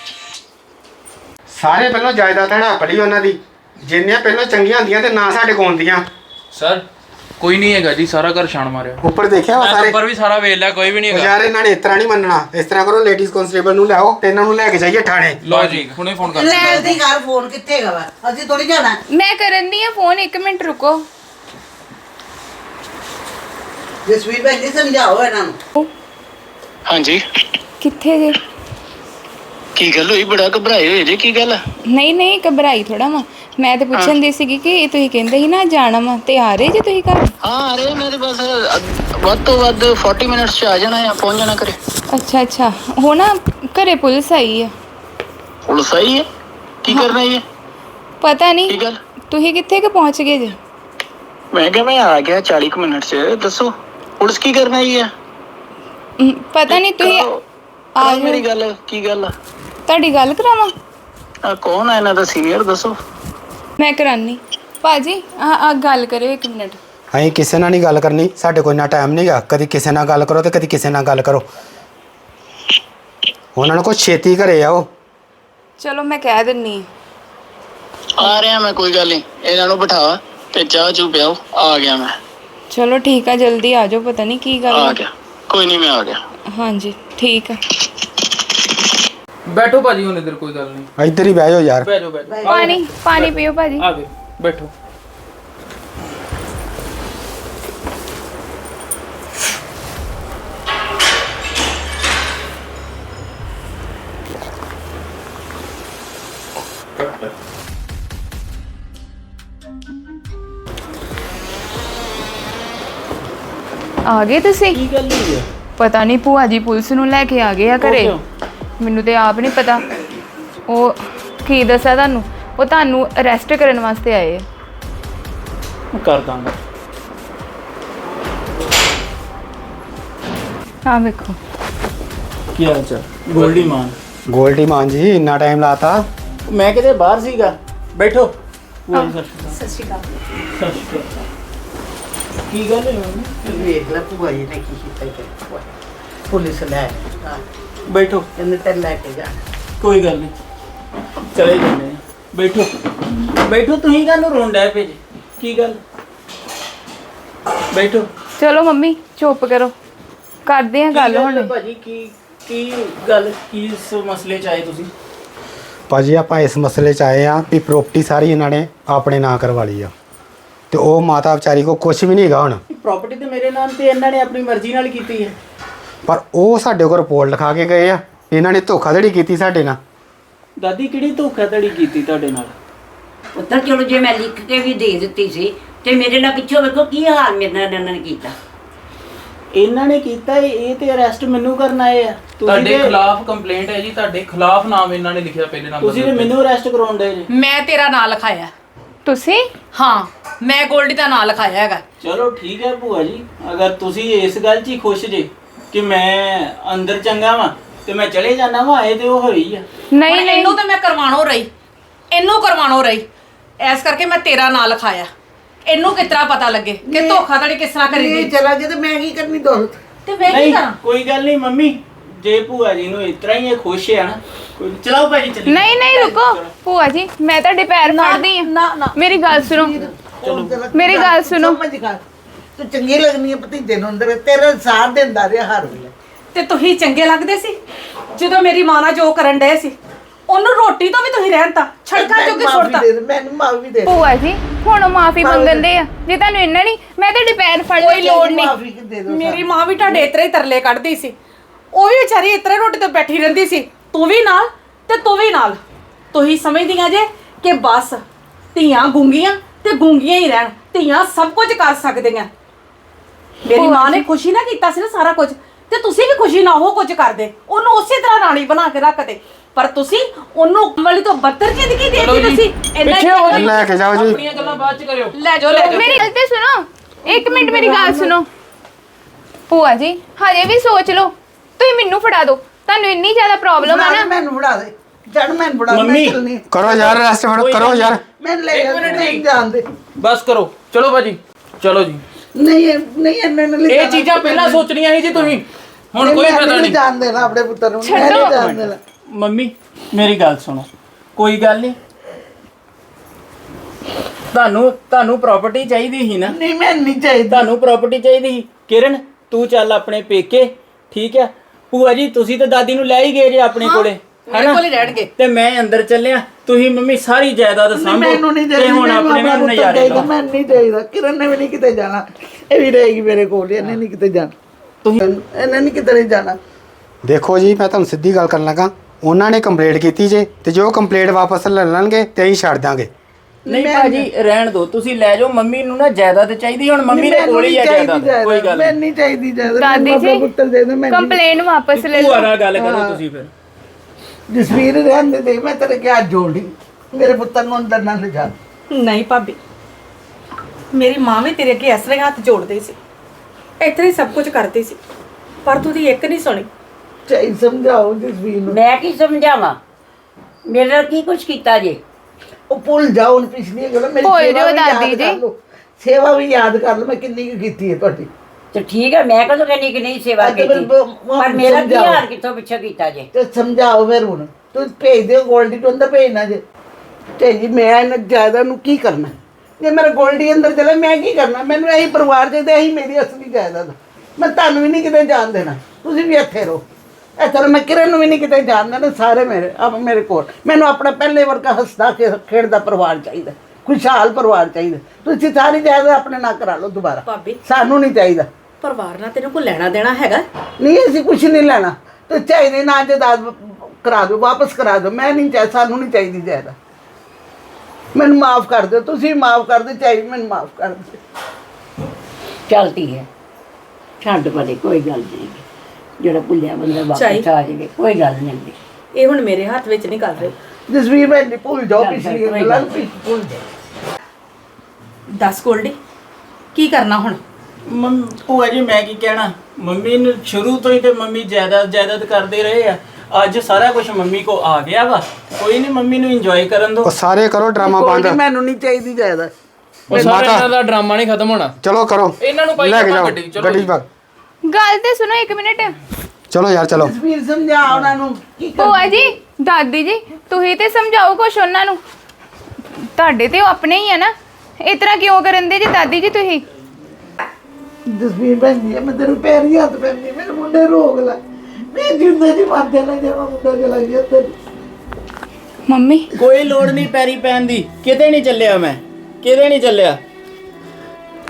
ਸਾਰੇ ਪਹਿਲਾਂ ਜਾਇਦਾਦ ਹੜਪ ਲਈ ਉਹਨਾਂ ਦੀ, ਜਿੰਨੀਆਂ ਪਹਿਲਾਂ ਚੰਗੀਆਂ ਹੁੰਦੀਆਂ ਤੇ ਨਾ ਸਾਡੇ ਕੋਲ ਹੁੰਦੀਆਂ। ਸਰ ਕੋਈ ਨਹੀਂ ਹੈਗਾ ਜੀ, ਸਾਰਾ ਘਰ ਛਾਣ ਮਾਰਿਆ। ਉੱਪਰ ਦੇਖਿਆ ਵਾ ਸਾਰੇ? ਉੱਪਰ ਵੀ ਸਾਰਾ ਵੇਖ ਲਿਆ, ਕੋਈ ਵੀ ਨਹੀਂ ਉਹ ਹੈਗਾ। ਯਾਰ ਇਹਨਾਂ ਨੇ ਇਸ ਤਰ੍ਹਾਂ ਨਹੀਂ ਮੰਨਣਾ। ਇਸ ਤਰ੍ਹਾਂ ਕਰੋ, ਲੇਡੀਜ਼ ਕਨਸਟੇਬਲ ਨੂੰ ਲਿਆਓ ਤੇ ਇਹਨਾਂ ਨੂੰ ਲੈ ਕੇ ਜਾਈਏ ਥਾਣੇ। ਲਓ ਜੀ ਹੁਣੇ ਫੋਨ ਕਰ। ਜਲਦੀ ਕਰ, ਫੋਨ ਕਿੱਥੇ ਹੈਗਾ ਵਾ? ਅਸੀਂ ਥੋੜੀ ਜਾਣਾ। ਮੈਂ ਕਰਨ ਦੀ ਆ ਫੋਨ, ਇੱਕ ਮਿੰਟ ਰੁਕੋ। ਜਸਵੀਰ ਭੈਣ ਜੀ ਸਮਝਾਓ ਇਹਨਾਂ ਨੂੰ। ਹਾਂਜੀ ਕਿੱਥੇ ਜੇ? ਕੀ ਗੱਲ ਹੋਈ? ਬੜਾ ਘਬਰਾਏ ਹੋਏ ਜੇ, ਕੀ ਗੱਲ? ਨਹੀਂ ਨਹੀਂ ਘਬਰਾਈ ਥੋੜਾ ਵਾ। ਮੈਂ ਤੇ ਪੁੱਛਣ ਦੀ ਸੀਗੀ ਕਿ ਇਹ ਤੁਸੀਂ ਕਹਿੰਦੇ ਸੀ ਨਾ ਜਾਣਾ ਵਾ, ਤੇ ਆ ਰਹੇ ਜੇ ਤੁਸੀਂ ਘਰ? ਹਾਂ ਅਰੇ ਮੈਂ ਤੇ ਬਸ ਅੱਧ- ਵੱਧ ਤੋਂ ਵੱਧ ਚਾਲੀ ਮਿੰਟਸ ਚ ਆ ਜਾਣਾ ਆ, ਪਹੁੰਚ ਜਾਣਾ ਘਰੇ। ਅੱਛਾ ਅੱਛਾ, ਹੋ ਨਾ ਘਰੇ ਪੁਲਿਸ ਆਈ ਆ। ਪੁਲਿਸ ਆਈ ਹੈ? ਕੀ ਕਰਨਾ ਹੈ? ਪਤਾ ਕੀ ਨਹੀਂ ਗੱਲ? ਤੁਸੀਂ ਕਿੱਥੇ ਕੁ ਪਹੁੰਚ ਗਏ ਜੇ? ਮੈਂ ਕਿਹਾ ਮੈਂ ਆ ਗਿਆ ਚਾਲੀ ਕੁ ਮਿੰਟ ਚ, ਦੱਸੋ ਪੁਲਿਸ ਕੀ ਕਰਨਾ ਹੈ? ਹਮ, ਪਤਾ ਨਹੀਂ ਤੁਸੀਂ ਆ ਆ ਮੇਰੀ ਜਾਓ। ਗੱਲ, ਕੀ ਗੱਲ ਆ? ਤੁਹਾਡੀ ਗੱਲ ਕਰਾਵਾਂ? ਆਹ ਕੌਣ ਹੈ ਇਹਨਾਂ ਦਾ ਸੀਨੀਅਰ, ਦੱਸੋ। ਮੈਂ ਕਰਾਨੀ। ਭਾਜੀ ਆ ਆ ਗੱਲ ਕਰਿਓ ਇੱਕ ਮਿੰਟ। ਅਸੀਂ ਕਿਸੇ ਨਾਲ ਨਹੀਂ ਗੱਲ ਕਰਨੀ, ਸਾਡੇ ਕੋਲ ਇੰਨਾ ਟਾਈਮ ਨਹੀਂਗਾ। ਕਦੀ ਕਿਸੇ ਨਾਲ ਗੱਲ ਕਰੋ ਤੇ ਕਦੀ ਕਿਸੇ ਨਾਲ ਗੱਲ ਕਰੋ। ਉਹਨਾਂ ਨੂੰ ਕੋਈ ਛੇਤੀ ਘਰੇ ਆਓ। ਚਲੋ ਮੈਂ ਕਹਿ ਦਿੰਨੀ। ਆ ਰਿਹਾ ਮੈਂ, ਕੋਈ ਗੱਲ ਨਹੀਂ। ਇਹਨਾਂ ਨੂੰ ਬਿਠਾ ਤੇ ਚਾਹ ਚੂ ਪਿਆਓ, ਆ ਗਿਆ ਮੈਂ। ਚਲੋ ਠੀਕ ਆ, ਜਲਦੀ ਆ ਜਾਓ। ਪਤਾ ਨਹੀਂ ਕੀ ਗੱਲ ਆ ਆ। ਗਿਆ, ਕੋਈ ਨਹੀਂ, ਮੈਂ ਆ ਗਿਆ। ਹਾਂਜੀ ਠੀਕ ਆ। ਬੈਠੋ ਭਾਜੀ, ਹੁਣ ਇੱਧਰ ਕੋਈ ਗੱਲ ਨਹੀਂ। ਇੱਧਰ ਹੀ ਬਹਿ ਜਾਓ ਯਾਰ। ਬਹਿ ਜਾਓ ਬਹਿ ਜਾਓ। ਪਾਣੀ ਪਾਣੀ ਪੀਓ ਭਾਜੀ। ਆ ਗਏ, ਬੈਠੋ। ਆ ਗਏ ਤੁਸੀਂ? ਕੀ ਗੱਲ ਹੋਈ ਹੈ? ਪਤਾ ਨਹੀਂ ਭੂਆ ਜੀ ਪੁਲਿਸ ਨੂੰ ਲੈ ਕੇ ਆ ਗਏ ਆ ਘਰੇ। ਮੈਨੂੰ ਤੇ ਆਪ ਨਹੀਂ ਪਤਾ। ਉਹ ਕੀ ਦੱਸਿਆ ਤੁਹਾਨੂੰ? ਉਹ ਤੁਹਾਨੂੰ ਅਰੈਸਟ ਕਰਨ ਵਾਸਤੇ ਆਏ ਆ। ਮੈਂ ਕਰ ਦਾਂਗਾ। ਹਾਂ ਵੇਖੋ। ਕੀ ਹਾਲ ਚਾਲ? ਗੋਲਡੀ ਮਾਨ। ਗੋਲਡੀ ਮਾਨ ਜੀ ਇੰਨਾ ਟਾਈਮ ਲਾਤਾ? ਮੈਂ ਕਿਤੇ ਬਾਹਰ ਸੀਗਾ। ਬੈਠੋ। ਸਤਿ ਸ਼੍ਰੀ ਅਕਾਲ। ਸਤਿ ਸ਼੍ਰੀ ਅਕਾਲ। ਕੀ ਗੱਲ ਹੈ ਮੰਮੀ? ਵੇਖ ਲੈ ਭੂਆ ਜੀ ਨੇ ਕੀ ਕੀਤਾ ਕਿ ਪੁਲਿਸ ਲੈ ਆ। ਬੈਠੋ। ਇਹਨੇ ਤੇ ਲੈ ਕੇ ਜਾ। ਕੋਈ ਗੱਲ ਨਹੀਂ, ਚਲੇ ਜਾਂਦੇ ਹਾਂ। ਬੈਠੋ ਬੈਠੋ। ਤੁਸੀਂ ਕਾਹਨੂੰ ਰੋਣ ਡੈ ਪਏ ਜੀ? ਕੀ ਗੱਲ? ਬੈਠੋ। ਚਲੋ ਮੰਮੀ ਚੁੱਪ ਕਰੋ, ਕਰਦੇ ਆ ਗੱਲ ਹੁਣ। ਭਾਜੀ ਕੀ ਕੀ ਗੱਲ, ਕੀ ਇਸ ਮਸਲੇ ਚ ਆਏ ਤੁਸੀਂ? ਭਾਜੀ ਆਪਾਂ ਇਸ ਮਸਲੇ 'ਚ ਆਏ ਆ ਵੀ ਪ੍ਰਾਪਰਟੀ ਸਾਰੀ ਇਹਨਾਂ ਨੇ ਆਪਣੇ ਨਾਂ ਕਰਵਾ ਲਈ ਆ। ਤੇ ਉਹ ਮਾਤਾ ਵਿਚਾਰੀ ਕੋ ਕੁਝ ਵੀ ਨਹੀਂ ਹੈਗਾ ਹੁਣ। ਪ੍ਰਾਪਰਟੀ ਤੇ ਮੇਰੇ ਨਾਮ ਤੇ ਇਹਨਾਂ ਨੇ ਆਪਣੀ ਮਰਜ਼ੀ ਨਾਲ ਕੀਤੀ ਹੈ। ਪਰ ਉਹ ਸਾਡੇ ਕੋਲ ਰਿਪੋਰਟ ਲਿਖਾ ਕੇ ਗਏ ਆ, ਇਹਨਾਂ ਨੇ ਧੋਖਾਧੜੀ ਕੀਤੀ ਸਾਡੇ ਨਾਲ। ਦਾਦੀ ਕਿਹੜੀ ਧੋਖਾਧੜੀ ਕੀਤੀ ਤੁਹਾਡੇ ਨਾਲ? ਪੁੱਤਰ ਚਲੋ ਜੇ ਮੈਂ ਲਿਖ ਕੇ ਵੀ ਦੇ ਦਿੱਤੀ ਸੀ ਤੇ ਮੇਰੇ ਨਾਲ ਪਿੱਛੋਂ ਵੇਖੋ ਕੀ ਹਾਲ ਮੇਰੇ ਨਾਲ ਇਹਨਾਂ ਨੇ ਕੀਤਾ। ਇਹਨਾਂ ਨੇ ਕੀਤਾ ਇਹ ਇਹ ਤੇ ਅਰੈਸਟ ਮੈਨੂੰ ਕਰਨ ਆਏ ਆ। ਤੁਸੀਂ ਤੁਹਾਡੇ ਤੇ- ਖਿਲਾਫ ਕੰਪਲੇਂਟ ਹੈ ਜੀ, ਤੁਹਾਡੇ ਖਿਲਾਫ ਨਾਮ ਇਹਨਾਂ ਨੇ ਲਿਖਿਆ ਪਹਿਲੇ ਨੰਬਰ ਤੁਸੀਂ ਤੇ ਮੈਨੂੰ ਅਰੈਸਟ ਕਰਾਉਣ ਦੇ ਜੀ। ਮੈਂ ਤੇਰਾ ਨਾਂ ਲਿਖਾਇਆ। ਤੁਸੀਂ ਹਾਂ, ਮੈਂ ਗੋਲਡੀ ਦਾ ਨਾਂ ਲਿਖਾਇਆ ਹੈਗਾ। ਚਲੋ ਠੀਕ ਹੈ ਭੂਆ ਜੀ, ਅਗਰ ਤੁਸੀਂ ਇਸ ਗੱਲ 'ਚ ਹੀ ਖੁਸ਼ ਜੇ ਕਿ ਮੈਂ ਅੰਦਰ ਚੰਗਾ ਵਾਂ ਤੇ ਮੈਂ ਚਲੇ ਜਾਣਾ ਵਾਂ, ਇਹ ਤੇ ਉਹ ਹੋਈ ਆ। ਨਹੀਂ ਹੁਣ ਨਹੀਂ ਇਹਨੂੰ ਤੇ ਮੈਂ ਕਰਵਾਣੋ ਰਹੀ, ਇਹਨੂੰ ਕਰਵਾਣੋ ਰਹੀ, ਐਸ ਕਰਕੇ ਮੈਂ ਤੇਰਾ ਨਾਂ ਲਿਖਾਇਆ। ਇਹਨੂੰ ਕਿਸ ਤਰ੍ਹਾਂ ਪਤਾ ਲੱਗੇ ਕਿ ਧੋਖਾਧੜੀ ਕਿਸ ਤਰ੍ਹਾਂ ਕਰੀ ਇਹ ਦੀ। ਚਲਾ ਜੇ ਤੇ ਮੈਂ ਕੀ ਕਰਨੀ ਦੌਲਤ? ਤੇ ਮੈਂ ਕੀ ਨਹੀਂ ਕਰਾਂ? ਕੋਈ ਗੱਲ ਨਹੀਂ ਮੰਮੀ, ਜੇ ਭੂਆ ਜੀ ਨੂੰ ਇਸ ਤਰ੍ਹਾਂ ਹੀ ਇਹ ਖੁਸ਼ ਹੈ ਨਾ, ਕੋਈ ਚਲਾਓ ਭਾਜੀ ਚੱਲੀਏ। ਨਹੀਂ ਨਹੀਂ ਰੁਕੋ ਭੂਆ ਜੀ, ਮੈਂ ਤੁਹਾਡੇ ਪੈਰ ਫੜਦੀ ਆ। ਨਾ ਨਾ ਮੇਰੀ ਗੱਲ ਸੁਣੋ, ਮੇਰੀ ਗੱਲ ਸੁਣੋ। ਸਮਝ ਕਰ, ਤੂੰ ਚੰਗੀ ਲੱਗਣੀ ਹੈ ਭਤੀਜੇ ਨੂੰ ਅੰਦਰ, ਤੇਰਾ ਸਾਥ ਦਿੰਦਾ ਰਿਹਾ ਹਰ ਵੇਲੇ। ਤੇ ਤੁਸੀਂ ਚੰਗੇ ਲੱਗਦੇ ਸੀ ਜਦੋਂ ਮੇਰੀ ਮਾਂ ਨਾਲ ਜੋ ਕਰਨ ਡਏ ਸੀ। ਉਹਨੂੰ ਰੋਟੀ ਤੋਂ ਵੀ ਤੁਸੀਂ ਰਹਿਣਤਾ, ਛੜਕਾਂ ਚੋਂ ਕੀ ਮਾਫ਼ੀ ਸੁੱਟਤਾ। ਦੇ ਦੇ, ਮੈਨੂੰ ਮਾਫੀ ਦੇ ਦੇ। ਭੂਆ ਜੀ ਹੁਣ ਮਾਫੀ ਮੰਗਣ ਦੇ ਆ, ਜੇ ਤੁਹਾਨੂੰ ਇੰਨਾ ਨਹੀਂ, ਮੈਂ ਤੁਹਾਡੇ ਪੈਰ ਫੜ ਕੋਈ ਲੋੜ ਨਹੀਂ। ਮਾਫ਼ੀ ਦੇ ਦਿਓ ਮੇਰੀ ਮਾਂ ਵੀ ਤੁਹਾਡੇ ਇਤਰੇ ਹੀ ਤਰਲੇ ਕੱਢਦੀ ਸੀ, ਉਹ ਵੀ ਵਿਚਾਰੀ ਇਤਰੇ ਰੋਟੀ ਤੇ ਬੈਠੀ ਰਹਿੰਦੀ ਸੀ। ਤੂੰ ਵੀ ਨਾਲ ਤੇ ਤੂੰ ਵੀ ਨਾਲ। ਤੁਸੀਂ ਸਮਝਦੀਆਂ ਜੇ ਕਿ ਬਸ ਧੀਆਂ ਗੂੰਗੀਆਂ ਤੇ ਗੂੰਗੀਆਂ ਹੀ ਰਹਿਣ, ਧੀਆਂ ਸਭ ਕੁਝ ਕਰ ਸਕਦੀਆਂ। ਮੇਰੀ ਮਾਂ ਨੇ ਖੁਸ਼ੀ ਨਾ ਕੀਤਾ ਸੀ ਨਾ ਸਾਰਾ ਕੁਝ, ਤੇ ਤੁਸੀਂ ਵੀ ਖੁਸ਼ੀ ਨਾ ਉਹ ਕੁਝ ਕਰਦੇ, ਉਹਨੂੰ ਉਸੇ ਤਰ੍ਹਾਂ ਰਾਣੀ ਬਣਾ ਕੇ ਰੱਖਦੇ। ਪਰ ਤੁਸੀਂ ਉਹਨੂੰ ਵਾਲੀ ਤੋਂ ਬੱਤਰ ਜ਼ਿੰਦਗੀ ਦੇ ਦਿੱਤੀ। ਤੁਸੀਂ ਇੰਨਾ ਪਿੱਛੇ ਹੋ ਜੀ। ਲੈ ਕੇ ਜਾਓ ਜੀ। ਆਪਣੀਆਂ ਗੱਲਾਂ ਬਾਅਦ ਚ ਕਰਿਓ। ਲੈ ਜਾਓ, ਲੈ ਜਾਓ। ਮੇਰੀ ਗੱਲ ਤੇ ਸੁਣੋ, ਇੱਕ ਮਿੰਟ ਮੇਰੀ ਗੱਲ ਸੁਣੋ। ਭੂਆ ਜੀ ਹਜੇ ਵੀ ਸੋਚ ਲਓ, ਤੁਸੀਂ ਮੈਨੂੰ ਫੜਾ ਦਿਓ। ਤੁਹਾਨੂੰ ਇੰਨੀ ਜ਼ਿਆਦਾ ਪ੍ਰੋਬਲਮ ਆ ਨਾ। ਮੈਨੂੰ ਫੜਾ ਦੇ, ਜੜ ਮੈਨੂੰ ਫੜਾ, ਮੈਂ ਮੰਮੀ। ਚੱਲਣੀ। ਕਰੋ ਯਾਰ ਰੈਸਟ ਫੜੋ, ਕਰੋ ਯਾਰ। ਮੈਨੂੰ ਲੈ ਇੱਕ ਜਾ, ਮਿੰਟ ਨਹੀਂ ਜੀ। ਜਾਣ ਦੇ। ਬਸ ਕਰੋ, ਚਲੋ ਭਾਜੀ ਚਲੋ ਜੀ। ਨਹੀਂ ਇਹ- ਨਹੀਂ ਇਹਨਾਂ ਨੇ ਇਹ ਚੀਜ਼ਾਂ ਪਹਿਲਾਂ ਸੋਚਣੀਆਂ ਸੀ ਜੀ ਤੁਸੀਂ, ਹੁਣ ਕੋਈ ਫਾਇਦਾ ਨਹੀਂ। ਜਾਣ ਦੇਣਾ ਆਪਣੇ ਪੁੱਤਰ ਨੂੰ, ਮੈਂ ਛੱਡੋ। ਨਹੀਂ ਜਾਣ ਦੇਣਾ। ਮੰਮੀ ਮੇਰੀ ਗੱਲ ਸੁਣੋ, ਕੋਈ ਗੱਲ ਨਹੀਂ, ਤੁਹਾਨੂੰ ਤੁਹਾਨੂੰ ਪ੍ਰਾਪਰਟੀ ਚਾਹੀਦੀ ਸੀ ਨਾ, ਨਹੀਂ ਮੈਂ ਨਹੀਂ ਚਾਹੀਦਾ। ਤੁਹਾਨੂੰ ਪ੍ਰਾਪਰਟੀ ਚਾਹੀਦੀ ਸੀ। ਕਿਰਨ ਤੂੰ ਚੱਲ ਆਪਣੇ ਪੇਕੇ, ਠੀਕ ਹੈ। ਭੂਆ ਜੀ ਤੁਸੀਂ ਤਾਂ ਦਾਦੀ ਨੂੰ ਲੈ ਹੀ ਗਏ ਜੇ ਆਪਣੇ ਕੋਲੇ, ਮੇਰੇ ਕੋਲ ਹੀ ਰਹਿਣਗੇ। ਤੇ ਮੈਂ ਅੰਦਰ ਚੱਲਿਆ, ਤੁਸੀਂ ਮੰਮੀ ਸਾਰੀ ਜਾਇਦਾਦ ਨਹੀਂ, ਸਾਂਭੋ ਮੈਨੂੰ ਨਹੀਂ ਤੇ ਚਾਹੀਦਾ, ਹੁਣ ਆਪਣੇ ਨਾਲ ਨਜ਼ਾਰੇ ਲਓ। ਮੈਂ ਨਹੀਂ ਚਾਹੀਦਾ। ਕਿਰਨ ਨੇ ਵੀ ਨਹੀਂ ਕਿਤੇ ਜਾਣਾ, ਇਹ ਵੀ ਰਹੇਗੀ ਮੇਰੇ ਕੋਲ, ਇਹਨੇ ਨਹੀਂ ਕਿਤੇ ਜਾਣਾ। ਤੁਸੀਂ ਇਹਨੇ ਨਹੀਂ ਕਿਤੇ ਨਹੀਂ ਜਾਣਾ। ਦੇਖੋ ਜੀ, ਮੈਂ ਤੁਹਾਨੂੰ ਸਿੱਧੀ ਗੱਲ ਕਰਨ ਲੱਗਾ। ਉਹਨਾਂ ਨੇ ਕੰਪਲੇਂਟ ਕੀਤੀ ਜੇ, ਤੇ ਜੋ ਕੰਪਲੇਂਟ ਵਾਪਸ ਲੈ ਲੈਣਗੇ ਤੇ ਅਸੀਂ ਛੱਡ ਦਾਂਗੇ। ਨਹੀਂ ਭਾਜੀ ਰਹਿਣ ਦਿਓ, ਤੁਸੀਂ ਲੈ ਜਾਓ। ਮੰਮੀ ਨੂੰ ਨਾ ਜਾਇਦਾਦ ਚਾਹੀਦੀ, ਹੁਣ ਮੰਮੀ ਦੇ ਕੋਲ ਹੀ ਆ ਜਾਇਦਾਦ, ਕੋਈ ਗੱਲ ਮੈਂ ਨਹੀਂ। ਨਹੀਂ ਚਾਹੀਦੀ ਜਾਇਦਾਦ। ਦਾਦੀ ਮੈਨੂੰ ਆਪਣਾ ਜੀ ਪੁੱਤਰ ਦੇ ਦਿਓ, ਮੈਂ ਨਹੀਂ- ਕੰਪਲੇਨ ਵਾਪਸ ਲੈ ਭੂਆ ਲਓ। ਨਾਲ ਗੱਲ ਕਰੋ ਤੁਸੀਂ ਫਿਰ। ਜਸਵੀਰ ਰਹਿਣ ਦੇ ਦੇ, ਮੈਂ ਤੇਰੇ ਕੇ ਹੱਥ ਜੋੜੀ, ਮੇਰੇ ਪੁੱਤਰ ਨੂੰ ਅੰਦਰ ਨਾ ਲਿਜਾ। ਨਹੀਂ ਭਾਬੀ, ਮੇਰੀ ਮਾਂ ਵੀ ਤੇਰੇ ਅੱਗੇ ਇਸ ਤਰ੍ਹਾਂ ਹੱਥ ਜੋੜਦੇ ਸੀ, ਇੱਥੇ ਹੀ ਸਭ ਕੁਝ ਕਰਦੇ ਸੀ, ਪਰ ਤੂੰ ਦੀ ਇੱਕ ਨਹੀਂ ਸੁਣੀ। ਚਾਹੀ ਸਮਝਾਓ ਜਸਵੀਰ ਨੂੰ। ਮੈਂ ਕੀ ਸਮਝਾਵਾਂ, ਮੇਰੇ ਨਾਲ ਕੀ ਕੁਝ ਕੀਤਾ ਜੇ? ਉਹ ਭੁੱਲ ਜਾਓ ਹੁਣ ਪਿਛਲੀ ਗੱਲ, ਮੇਰੀ ਭੁੱਲ ਸੇਵਾ ਜਾਓ ਵੀ ਯਾਦ ਦਾਦੀ ਕਰ ਜੀ। ਲਓ। ਸੇਵਾ ਵੀ ਯਾਦ ਕਰ ਲਓ, ਮੈਂ ਕਿੰਨੀ ਕੁ ਕੀਤੀ ਹੈ ਤੁਹਾਡੀ। ਤੇ ਠੀਕ ਹੈ, ਮੈਂ ਕਦੋਂ ਕਹਿੰਦੀ ਕਿ ਨਹੀਂ ਸੇਵਾ ਅੱਜ ਫਿਰ ਕੀਤੀ, ਬ- ਬ- ਪਰ ਮੇਰਾ ਕੀ ਸਮਝਾਓ। ਹਾਲ ਕਿੱਥੋਂ ਪਿੱਛੇ ਕੀਤਾ ਜੇ? ਤੇ ਸਮਝਾਓ ਫਿਰ ਹੁਣ, ਤੂੰ ਭੇਜ ਦਿਓ ਗੋਲਡੀ ਨੂੰ ਅੰਦਰ ਭੇਜਣਾ ਜੇ। ਤੇ ਜੀ ਮੈਂ ਇਹਨਾਂ ਜਾਇਦਾਦ ਨੂੰ ਕੀ ਕਰਨਾ? ਜੇ ਮੇਰਾ ਗੋਲਡੀ ਅੰਦਰ ਚਲੇ ਮੈਂ ਕੀ ਕਰਨਾ? ਮੈਨੂੰ ਇਹੀ ਪਰਿਵਾਰ ਚਾਹੀਦਾ, ਇਹੀ ਮੇਰੀ ਅਸਲੀ ਜਾਇਦਾਦ। ਮੈਂ ਤੁਹਾਨੂੰ ਵੀ ਨਹੀਂ ਕਿਤੇ ਜਾਣ ਦੇਣਾ, ਤੁਸੀਂ ਵੀ ਇੱਥੇ ਰਹੋ। ਇਹ ਤਰ੍ਹਾਂ ਮੈਂ ਕਿਰਨ ਨੂੰ ਵੀ ਨਹੀਂ ਕਿਤੇ ਜਾਣ ਦੇਣਾ, ਸਾਰੇ ਮੇਰੇ ਆਪ ਮੇਰੇ ਕੋਲ। ਮੈਨੂੰ ਆਪਣਾ ਪਹਿਲੇ ਵਰਗਾ ਹੱਸਦਾ ਖੇ- ਖੇਡਦਾ ਪਰਿਵਾਰ ਚਾਹੀਦਾ, ਖੁਸ਼ਹਾਲ ਪਰਿਵਾਰ ਚਾਹੀਦਾ। ਤੁਸੀਂ ਸਾਰੀ ਜਾਇਦਾਦ ਆਪਣੇ ਨਾਲ ਕਰਾ ਲਓ ਦੁਬਾਰਾ, ਭਾਬੀ ਸਾਨੂੰ ਨਹੀਂ ਚਾਹੀਦਾ। ਪਰਿਵਾਰ ਨਾਲ ਤੈਨੂੰ ਕੋਈ ਲੈਣਾ ਦੇਣਾ ਹੈਗਾ? ਨਹੀਂ ਅਸੀਂ ਕੁਝ ਨਹੀਂ ਲੈਣਾ, ਤੇ ਚਾਹੀਦੀ ਨਾ ਜਾਇਦਾਦ ਕਰਾ ਦਿਓ, ਵਾਪਸ ਕਰਾ ਦਿਓ। ਮੈਂ ਨਹੀਂ ਚਾਹ, ਸਾਨੂੰ ਨਹੀਂ ਚਾਹੀਦੀ ਜਾਇਦਾਦ। ਮੈਨੂੰ ਮਾਫ ਕਰ ਦਿਓ, ਤੁਸੀਂ ਮਾਫ ਕਰ ਦਿਓ, ਚਾਹੀਦੀ ਮੈਨੂੰ ਮਾਫ ਕਰ ਦਿਓ। ਚਲਦੀ ਹੈ, ਛੱਡ ਪਰੇ, ਕੋਈ ਗੱਲ ਨਹੀਂ। ਜਿਹੜਾ ਭੁੱਲਿਆ ਬੰਦਾ ਵਾਪਸ ਚਾਹੀ। ਆ ਜਾਵੇ, ਕੋਈ ਗੱਲ ਨਹੀਂ। ਇਹ ਹੁਣ ਮੇਰੇ ਹੱਥ ਵਿੱਚ ਨਹੀਂ ਕਰ ਰਹੇ। ਜਸਵੀਰ ਭੈਣ ਜੀ ਭੁੱਲ ਜਾਓ ਚੱਲ, ਪਿਛਲੀ ਕੋਈ ਗੱਲਾਂ ਗੱਲ ਨੂੰ, ਭੁੱਲ ਜਾਓ। ਦੱਸ ਗੋਲਡੀ, ਕੀ ਕਰਨਾ ਹੁਣ? ਮੰਮ ਭੂਆ ਜੀ ਮੈਂ ਕੀ ਕਹਿਣਾ, ਮੰਮੀ ਨੂੰ ਸ਼ੁਰੂ ਤੋਂ ਹੀ ਤੇ ਮੰਮੀ ਜਾਇਦਾਦ ਜਾਇਦਾਦ ਕਰਦੇ ਰਹੇ ਆ। ਅੱਜ ਸਾਰਾ ਕੁਝ ਮੰਮੀ ਕੋ ਆ ਗਿਆ ਵਾ, ਕੋਈ ਨਹੀਂ ਮੰਮੀ ਨੂੰ ਇੰਜੋਏ ਕਰਨ ਦਿਓ। ਉਹ ਸਾਰੇ ਕਰੋ ਡਰਾਮਾ ਬੰਦ। ਗੋਲਡੀ ਮੈਨੂੰ ਨਹੀਂ ਚਾਹੀਦੀ ਜਾਇਦਾਦ। ਉਹ ਸਾਰਾ ਮਾਤਾ- ਇਹਨਾਂ ਦਾ ਡਰਾਮਾ ਨਹੀਂ ਖਤਮ ਹੋਣਾ। ਚਲੋ ਕਰੋ, ਇਹਨਾਂ ਨੂੰ ਪਾਈ ਲੈ ਕੇ ਆਪਾਂ ਜਾਓ ਗੱਡੀ 'ਚ, ਚਲੋ ਗੱਡੀ 'ਚ ਜੀ। ਪਾ। ਗੱਲ ਤੇ ਸੁਣੋ ਇੱਕ ਮਿੰਟ। ਚਲੋ ਯਾਰ ਚਲੋ। ਜਸਵੀਰ ਸਮਝਾ ਉਹਨਾਂ ਨੂੰ ਕੀ ਕਰ। ਭੂਆ ਜੀ, ਦਾਦੀ ਜੀ, ਤੁਸੀਂ ਤੇ ਸਮਝਾਓ ਕੁਛ ਉਹਨਾਂ ਨੂੰ। ਤੁਹਾਡੇ ਤੇ ਉਹ ਆਪਣੇ ਹੀ ਆ ਨਾ, ਇਸ ਤਰ੍ਹਾਂ ਕਿਉਂ ਕਰਨ ਦੇ ਜੀ ਦਾਦੀ ਜੀ ਤੁਸੀਂ? ਜਸਵੀਰ ਭੈਣ ਜੀ ਮੈਂ ਤੇਰੇ ਪੈਰੀ ਹੱਥ ਪੈਂਦੀ, ਮੇਰੇ ਮੁੰਡੇ ਰੋਕ ਲੈ, ਮੈਂ ਜਿੰਦਾ ਜੀ ਮਰ ਜਾਣਾ ਜੇ ਮੈਂ ਮੁੰਡਾ ਚਲਾ ਗਿਆ ਤੇ। ਮੰਮੀ ਕੋਈ ਲੋੜ ਨਹੀਂ ਪੈਰੀ ਪੈਣ ਦੀ, ਕਿਤੇ ਨਹੀਂ ਚੱਲਿਆ, ਮੈਂ ਕਿਤੇ ਨਹੀਂ ਚੱਲਿਆ।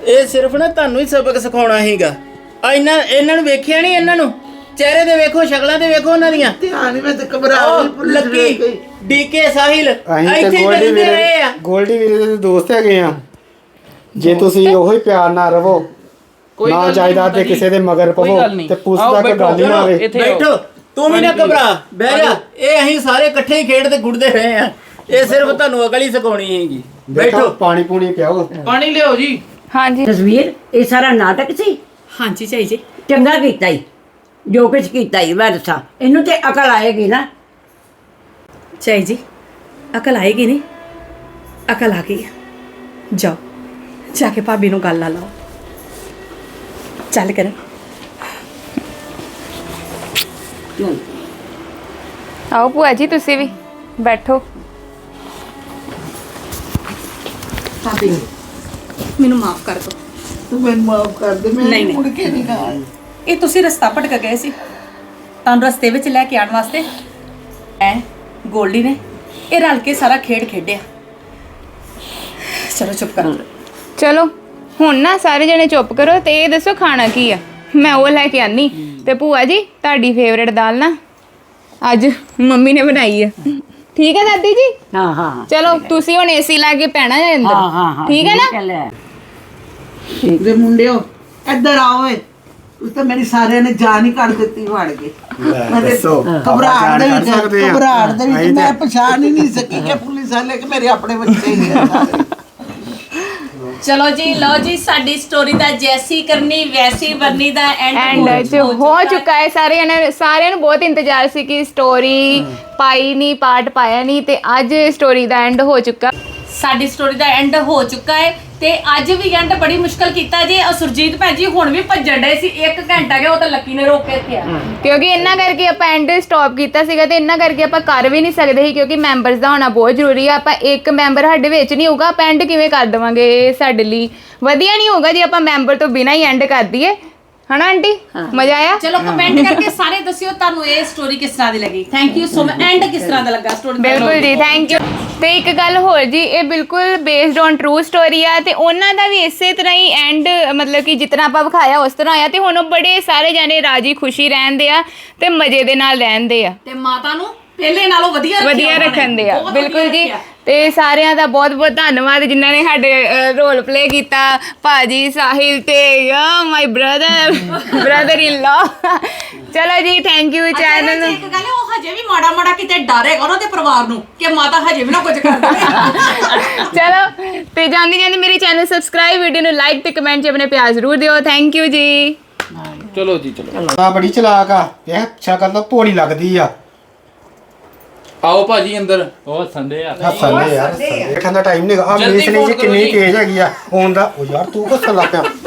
ਇਹ ਸਿਰਫ ਨਾ ਤੁਹਾਨੂੰ ਹੀ ਸਬਕ ਸਿਖਾਉਣਾ ਸੀਗਾ ਆ ਇਹਨਾਂ ਇਹਨਾਂ ਨੂੰ ਵੇਖਿਆ ਨਹੀਂ ਇਹਨਾਂ ਨੂੰ ਚਿਹਰੇ ਤੇ ਵੇਖੋ ਸ਼ਕਲਾਂ ਤੇ ਵੇਖੋ ਉਹਨਾਂ ਦੀਆਂ ਧਿਆਨ ਹੀ ਮੈਂ ਤੇ ਘਬਰਾ ਉਹ ਗਈ ਪੁਲਿਸ ਵੇਖ ਲੱਕੀ ਗਈ ਡੀਕੇ ਸਾਹਿਲ ਅਸੀਂ ਇੱਥੇ ਤੇ ਹੀ ਗੋਲਡੀ ਮਿਲਦੇ ਰਹੇ ਵੀਰੇ ਆ ਗੋਲਡੀ ਵੀਰੇ ਦੇ ਦੋਸਤ ਹੈਗੇ ਆ ਜੇ ਤੁਸੀਂ ਉਹੀ ਪਿਆਰ ਨਾਲ ਰਵੋ ਕੋਈ ਗੱਲ ਨਾ ਨਹੀਂ ਜਾਇਦਾਦ ਤੇ ਮਾਤਾ ਕਿਸੇ ਦੇ ਮਗਰ ਕੋਈ ਪਵੋ ਗੱਲ ਨਹੀਂ। ਤੇ ਪੁਲਿਸ ਆਓ ਦਾ ਕੋਈ ਗੱਲ ਹੀ ਨਾ ਬੈਠੋ, ਆਵੇ ਇੱਥੇ ਬੈਠੋ ਤੂੰ ਵੀ ਨਾ ਘਬਰਾ ਬਹਿ ਜਾ ਇਹ ਅਸੀਂ ਸਾਰੇ ਇਕੱਠੇ ਹੀ ਖੇਡਦੇ ਗੁੱਡਦੇ ਰਹੇ ਆ ਇਹ ਸਿਰਫ ਤੁਹਾਨੂੰ ਅਕਲ ਹੀ ਸਿਖਾਉਣੀ ਹੈਗੀ ਬੈਠੋ ਬੈਠੋ ਪਾਣੀ ਪੂਣੀ ਪਿਆਓ ਪਾਣੀ ਲਿਆਓ ਜੀ ਹਾਂਜੀ ਤਸਵੀਰ ਇਹ ਸਾਰਾ ਨਾਟਕ ਸੀ। ਹਾਂਜੀ ਝਾਈ ਜੀ ਚੰਗਾ ਕੀਤਾ ਹੀ ਜੋ ਕੁਝ ਕੀਤਾ ਹੀ ਮੈਂ ਦੱਸਾਂ ਇਹਨੂੰ ਤੇ ਅਕਲ ਆਏਗੀ ਨਾ। ਝਾਈ ਜੀ ਅਕਲ ਆਏਗੀ ਨਹੀਂ ਅਕਲ ਆ ਗਈ ਹੈ। ਜਾਓ ਜਾ ਕੇ ਭਾਬੀ ਨੂੰ ਗੱਲ ਲਾ ਲਓ ਚੱਲ ਕਰ ਆਓ ਭੂਆ ਜੀ ਤੁਸੀਂ ਵੀ ਬੈਠੋ। ਭਾਬੀ ਮੈਨੂੰ ਮਾਫ ਕਰ ਦਿਓ ਤੂੰ ਮੈਨੂੰ ਮਾਫ ਕਰ ਦੇ ਮੈਂ ਨਹੀਂ, ਨਹੀਂ। ਮੁੜ ਕੇ ਨਹੀਂ ਕਹਾਂ ਇਹ ਤੁਸੀਂ ਰਸਤਾ ਭਟਕ ਗਏ ਸੀ ਤੁਹਾਨੂੰ ਰਸਤੇ ਵਿੱਚ ਲੈ ਕੇ ਆਉਣ ਵਾਸਤੇ ਐ ਗੋਲਡੀ ਨੇ ਇਹ ਰਲ ਕੇ ਸਾਰਾ ਖੇਡ ਖੇਡਿਆ ਚਲੋ ਚੁੱਪ ਕਰੋ ਚਲੋ ਹੁਣ ਨਾ ਸਾਰੇ ਜਣੇ ਚੁੱਪ ਕਰੋ ਤੇ ਇਹ ਦੱਸੋ ਖਾਣਾ ਕੀ ਆ ਮੈਂ ਉਹ ਲੈ ਕੇ ਆਨੀ ਤੇ ਭੂਆ ਜੀ ਤੁਹਾਡੀ ਫੇਵਰੇਟ ਦਾਲ ਨਾ ਅੱਜ ਮੰਮੀ ਨੇ ਬਣਾਈ ਆ ਠੀਕ ਹੈ ਦਾਦੀ ਜੀ ਹਾਂ ਹਾਂ ਚਲੋ ਤੁਸੀਂ ਹੁਣ ਏਸੀ ਲਾ ਕੇ ਪੈਣਾ ਹੈ ਅੰਦਰ ਹਾਂ ਹਾਂ ਹਾਂ ਠੀਕ ਹੈ ਨਾ ਲੈ ਦੇ ਮੁੰਡਿਓ ਇੱਧਰ ਆਓ ਏ ਉਸ ਤਾਂ ਮੇਰੀ ਸਾਰਿਆਂ ਨੇ ਜਾਨ ਹੀ ਕੱਢ ਦਿੱਤੀ ਵੜ ਕੇ ਮੈਂ ਤੇ ਦੱਸੋ, ਘਬਰਾਹਟ ਦੇ ਆਪਾਂ ਜਾਣ ਕਰ ਵਿੱਚ ਸਕਦੇ ਹਾਂ। ਘਬਰਾਹਟ ਦੇ ਅਸੀਂ ਵਿੱਚ ਮੈਂ ਤਾਂ- ਪਛਾਣ ਹੀ ਨਹੀਂ ਸਕੀ ਕਿ ਪੁਲਿਸ ਵਾਲੇ ਕਿ ਮੇਰੇ ਆਪਣੇ ਬੱਚੇ ਹੀ ਆ ਸਾਰੇ ਚਲੋ ਜੀ ਲਓ ਜੀ ਸਾਡੀ ਸਟੋਰੀ ਦਾ ਜੈਸੀ ਕਰਨੀ ਵੈਸੀ ਬਣਨੀ ਦਾ ਐਂਡ ਐਂਡ ਚ ਹੋ ਚੁੱਕਾ ਹੈ ਸਾਰਿਆਂ ਨੇ ਸਾਰਿਆਂ ਨੂੰ ਬਹੁਤ ਇੰਤਜ਼ਾਰ ਸੀ ਕਿ ਸਟੋਰੀ ਪਾਈ ਨਹੀਂ ਪਾਰਟ ਪਾਇਆ ਨਹੀਂ ਤੇ ਅੱਜ ਸਟੋਰੀ ਦਾ ਐਂਡ ਹੋ ਚੁੱਕਾ ਸਾਡੀ ਸਟੋਰੀ ਦਾ ਐਂਡ ਹੋ ਚੁੱਕਾ ਹੈ ਤੇ ਅੱਜ ਵੀ ਐਂਡ ਬੜੀ ਮੁਸ਼ਕਲ ਕੀਤਾ ਜੀ ਔਰ ਸੁਰਜੀਤ ਭੈਣ ਜੀ ਹੁਣ ਵੀ ਭੱਜਣ ਡਏ ਸੀ ਇੱਕ ਘੰਟਾ ਗਿਆ ਉਹ ਤਾਂ ਲੱਕੀ ਨੇ ਰੋਕ ਕੇ ਰੱਖਿਆ ਕਿਉਂਕਿ ਇਹਨਾਂ ਕਰਕੇ ਆਪਾਂ ਐਂਡ ਸਟਾਪ ਕੀਤਾ ਸੀਗਾ ਤੇ ਇਹਨਾਂ ਕਰਕੇ ਆਪਾਂ ਕਰ ਵੀ ਨਹੀਂ ਸਕਦੇ ਸੀ ਕਿਉਂਕਿ ਮੈਂਬਰਸ ਦਾ ਹੋਣਾ ਬਹੁਤ ਜ਼ਰੂਰੀ ਆ ਆਪਾਂ ਇੱਕ ਮੈਂਬਰ ਸਾਡੇ ਵਿੱਚ ਨਹੀਂ ਹੋਊਗਾ ਆਪਾਂ ਐਂਡ ਕਿਵੇਂ ਕਰ ਦੇਵਾਂਗੇ ਇਹ ਸਾਡੇ ਲਈ ਵਧੀਆ ਨਹੀਂ ਹੋਊਗਾ ਜੇ ਆਪਾਂ ਮੈਂਬਰ ਤੋਂ ਬਿਨਾਂ ਹੀ ਐਂਡ ਕਰ ਦਈਏ ਹਨਾ ਆਂਟੀ ਮਜ਼ਾ ਆਇਆ ਚਲੋ ਕਮੈਂਟ ਕਰਕੇ ਸਾਰੇ ਦੱਸਿਓ ਤੁਹਾਨੂੰ ਇਹ ਸਟੋਰੀ ਕਿਸ ਤਰ੍ਹਾਂ ਦੀ ਲੱਗੀ thank you so much and ਕਿਸ ਤਰ੍ਹਾਂ ਦਾ ਲੱਗਾ ਸਟੋਰੀ ਬਿਲਕੁਲ ਜੀ ਥੈਂਕ ਯੂ ਤੇ ਇੱਕ ਗੱਲ ਹੋਰ ਜੀ ਇਹ ਬਿਲਕੁਲ ਬੇਸਡ ਔਨ ਟਰੂ ਸਟੋਰੀ ਆ ਤੇ ਉਹਨਾਂ ਦਾ ਵੀ ਇਸੇ ਤਰ੍ਹਾਂ ਹੀ ਐਂਡ ਮਤਲਬ ਕਿ ਜਿਤਨਾ ਆਪਾਂ ਵਿਖਾਇਆ ਉਸ ਤਰ੍ਹਾਂ ਆਇਆ ਤੇ ਹੁਣ ਉਹ ਬੜੇ ਸਾਰੇ ਜਾਣੇ ਰਾਜੀ ਖੁਸ਼ੀ ਰਹਿੰਦੇ ਆ ਤੇ ਮਜ਼ੇ ਦੇ ਨਾਲ ਰਹਿੰਦੇ ਆ ਤੇ ਮਾਤਾ ਨੂੰ ਪਹਿਲੇ ਨਾਲੋਂ ਵਧੀਆ ਰੱਖਿਆ ਵਧੀਆ ਉਹਨਾਂ ਨੇ। ਰੱਖਣ ਦੇ ਆ ਬਹੁਤ ਵਧੀਆ ਬਿਲਕੁਲ ਜੀ ਰੱਖਿਆ। ਤੇ ਸਾਰਿਆਂ ਦਾ ਬਹੁਤ ਬਹੁਤ ਧੰਨਵਾਦ ਜਿਨ੍ਹਾਂ ਨੇ ਸਾਡੇ ਰੋਲ ਪਲੇ ਕੀਤਾ ਭਾਜੀ ਸਾਹਿਲ ਤੇ ਆ ਮਾਈ ਬ੍ਰਦਰ ਬ੍ਰਦਰ ਇਨ ਲਾ ਚਲੋ ਜੀ ਥੈਂਕ ਯੂ ਅੱਛਾ, ਚੈਨਲ ਇਹਦੇ 'ਚ ਇੱਕ ਗੱਲ ਹੈ, ਉਹ ਹਜੇ ਵੀ ਮਾੜਾ ਮਾੜਾ ਕਿਤੇ ਡਰੇਗਾ ਉਹਨਾਂ ਦੇ ਪਰਿਵਾਰ ਨੂੰ ਕਿ ਮਾਤਾ ਹਜੇ ਵੀ ਨਾ ਕੁਝ ਕਰ ਦੇਵੇ ਚਲੋ ਤੇ ਜਾਂਦੀ ਜਾਂਦੀ ਮੇਰੀ ਚੈਨਲ ਸਬਸਕ੍ਰਾਈਬ ਵੀਡੀਓ ਨੂੰ ਲਾਈਕ ਤੇ ਕਮੈਂਟ 'ਚ ਆਪਣੇ ਪਿਆਰ ਜ਼ਰੂਰ ਦਿਓ ਥੈਂਕ ਯੂ ਜੀ ਚਲੋ ਜੀ ਚਲੋ ਆ ਬੜੀ ਚਲਾਕ ਆ ਇਹ ਸ਼ਕਲ ਤਾਂ ਭੋਲੀ ਲੱਗਦੀ ਆ ਆਓ ਭਾਜੀ ਅੰਦਰ ਉਹ ਸੰਦੇ ਆ ਹੱਸਣ ਦੇ ਯਾਰ ਦੇਖਣ ਦਾ ਟਾਈਮ ਨਹੀਂ ਆ ਜਲਦੀ ਮੇਸ ਨਹੀਂ ਜੀ phone ਕਰੋ ਕਿੰਨੀ ਜੀ। ਤੇਜ਼ ਹੈਗੀ ਆ ਆਉਣ ਦਾ ਉਹ ਯਾਰ ਤੂੰ ਕਿੱਥੇ ਲੱਗ ਪਿਆ